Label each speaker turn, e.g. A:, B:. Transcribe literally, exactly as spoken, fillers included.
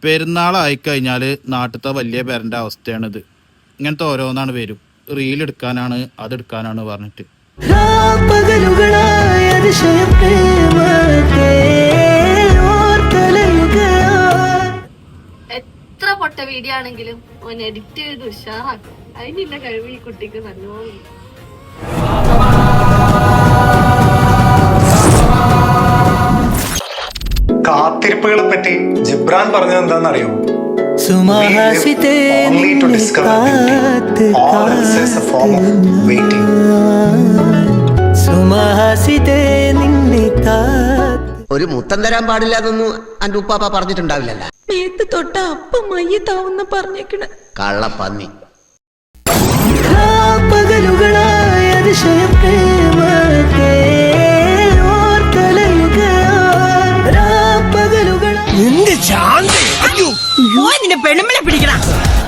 A: പെരുന്നാളായിക്കഴിഞ്ഞാൽ നാട്ടിലത്തെ വലിയ പേരൻ്റെ അവസ്ഥയാണിത്. ഇങ്ങനത്തെ ഓരോന്നാണ് വരും. റീലെടുക്കാനാണ് അതെടുക്കാനാണ് പറഞ്ഞിട്ട്.
B: എത്ര പൊട്ട വീഡിയോ ആണെങ്കിലും ഓൻ എഡിറ്റ് ചെയ്ത് ഉഷാറാക്കും. അതിനുള്ള കഴിവ് ഈ കുട്ടിക്ക് നല്ലോണം.
C: കാത്തിരിപ്പുകളെ പറ്റി ജിബ്രാൻ പറഞ്ഞത് എന്താണെന്നറിയോ?
D: ഒരു മുത്തം തരാൻ പാടില്ല എന്നൊന്നും അന്റെ ഉപ്പാപ്പ പറഞ്ഞിട്ടുണ്ടാവില്ലല്ലോ.
E: മേത്ത് തൊട്ട അപ്പം മയ്യത്താവുന്ന പറഞ്ഞേക്കണ
D: കള്ളപ്പന്നി.
E: നിന്റെ പെണ്ണുമ്പിളെ പിടിക്കണം.